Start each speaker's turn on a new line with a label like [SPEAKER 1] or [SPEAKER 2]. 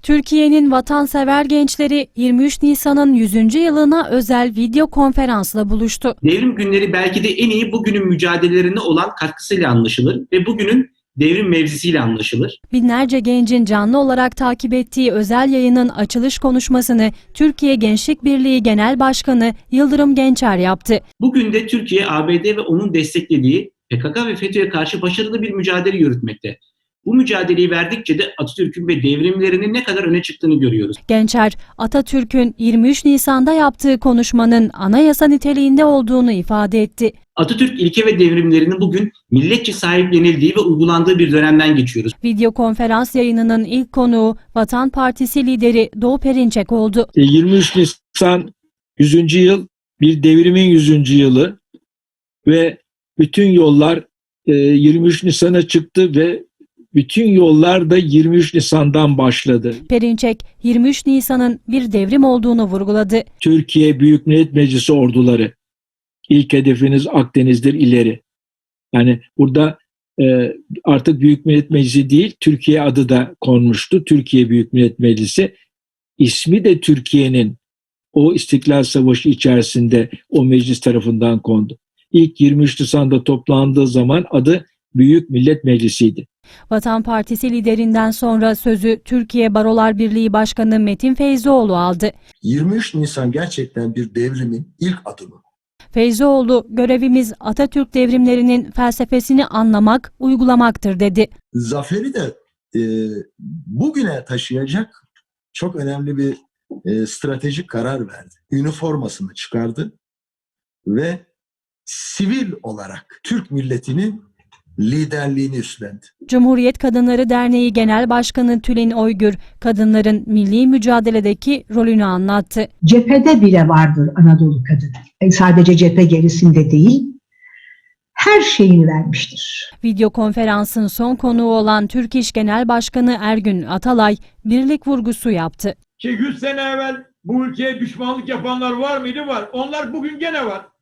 [SPEAKER 1] Türkiye'nin vatansever gençleri 23 Nisan'ın 100. yılına özel video konferansla buluştu.
[SPEAKER 2] Devrim günleri belki de en iyi bugünün mücadelelerine olan katkısıyla anlaşılır ve bugünün devrim mevzisiyle anlaşılır.
[SPEAKER 1] Binlerce gencin canlı olarak takip ettiği özel yayının açılış konuşmasını Türkiye Gençlik Birliği Genel Başkanı Yıldırım Gençer yaptı.
[SPEAKER 2] Bugün de Türkiye, ABD ve onun desteklediği PKK ve FETÖ'ye karşı başarılı bir mücadele yürütmekte. Bu mücadeleyi verdikçe de Atatürk'ün ve devrimlerinin ne kadar öne çıktığını görüyoruz.
[SPEAKER 1] Gençer, Atatürk'ün 23 Nisan'da yaptığı konuşmanın anayasa niteliğinde olduğunu ifade etti.
[SPEAKER 2] Atatürk ilke ve devrimlerinin bugün milletçe sahiplenildiği ve uygulandığı bir dönemden geçiyoruz.
[SPEAKER 1] Video konferans yayınının ilk konuğu Vatan Partisi lideri Doğu Perinçek oldu.
[SPEAKER 3] 23 Nisan 100. yıl bir devrimin 100. yılı ve bütün yollar 23 Nisan'a çıktı ve bütün yollar da 23 Nisan'dan başladı.
[SPEAKER 1] Perinçek, 23 Nisan'ın bir devrim olduğunu vurguladı.
[SPEAKER 3] Türkiye Büyük Millet Meclisi orduları, ilk hedefiniz Akdeniz'dir ileri. Yani burada artık Büyük Millet Meclisi değil, Türkiye adı da konmuştu. Türkiye Büyük Millet Meclisi. İsmi de Türkiye'nin o İstiklal Savaşı içerisinde o meclis tarafından kondu. İlk 23 Nisan'da toplandığı zaman adı Büyük Millet Meclisi'ydi.
[SPEAKER 1] Vatan Partisi liderinden sonra sözü Türkiye Barolar Birliği Başkanı Metin Feyzioğlu aldı.
[SPEAKER 4] 23 Nisan gerçekten bir devrimin ilk adımı.
[SPEAKER 1] Feyzioğlu, görevimiz Atatürk devrimlerinin felsefesini anlamak, uygulamaktır dedi.
[SPEAKER 4] Zaferi de bugüne taşıyacak çok önemli bir stratejik karar verdi. Üniformasını çıkardı ve sivil olarak Türk milletinin liderliğini üstlendi.
[SPEAKER 1] Cumhuriyet Kadınları Derneği Genel Başkanı Tülin Oygür, kadınların milli mücadeledeki rolünü anlattı.
[SPEAKER 5] Cephede bile vardır Anadolu kadını. Sadece cephe gerisinde değil, her şeyini vermiştir.
[SPEAKER 1] Video konferansın son konuğu olan Türk İş Genel Başkanı Ergün Atalay, birlik vurgusu yaptı.
[SPEAKER 6] 100 sene evvel bu ülkeye düşmanlık yapanlar var mıydı? Var. Onlar bugün gene var.